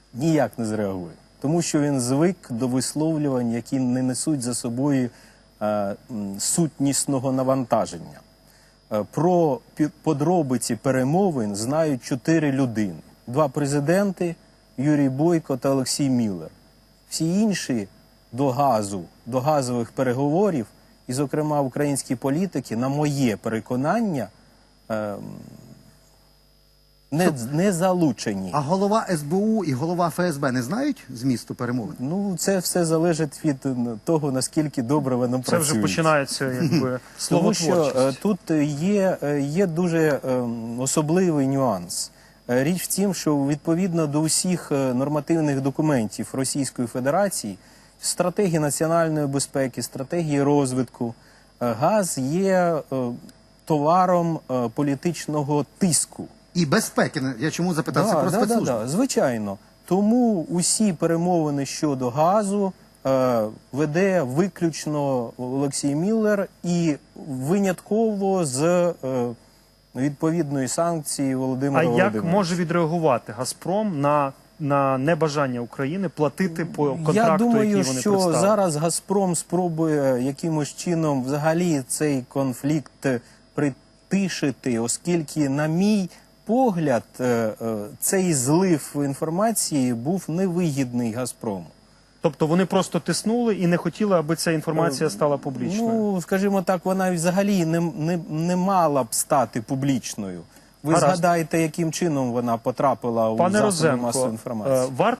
ніяк не зреагує. Тому що він звик до висловлювань, які не несуть за собою сутнісного навантаження. Про подробиці перемовин знають 4 людини. 2 президенти – Юрій Бойко та Олексій Міллер. Всі інші до газових переговорів, і, зокрема, українські політики, на моє переконання, не залучені. А голова СБУ і голова ФСБ не знають змісту перемовин? Ну, це все залежить від того, наскільки добре вони працюють. Це вже починається, якби, словотворчість. Тому що тут є дуже особливий нюанс. Річ в тім, що відповідно до усіх нормативних документів Російської Федерації, стратегії національної безпеки, стратегії розвитку, газ є товаром політичного тиску. І безпеки. Я чому запитав? Це про спецслужби. Звичайно. Тому усі перемовини щодо газу веде виключно Олексій Міллер і винятково з відповідної санкції Володимира Володимировича. А як може відреагувати «Газпром» на небажання України платити по контракту, Я думаю, який вони що представили? зараз «Газпром» спробує якимось чином взагалі цей конфлікт притишити, оскільки, на мій погляд, цей злив інформації був невигідний «Газпрому». Тобто вони просто тиснули і не хотіли, аби ця інформація стала публічною? Ну, скажімо так, вона взагалі не мала б стати публічною. Ви згадаєте, яким чином вона потрапила у засоби масової інформації. Варто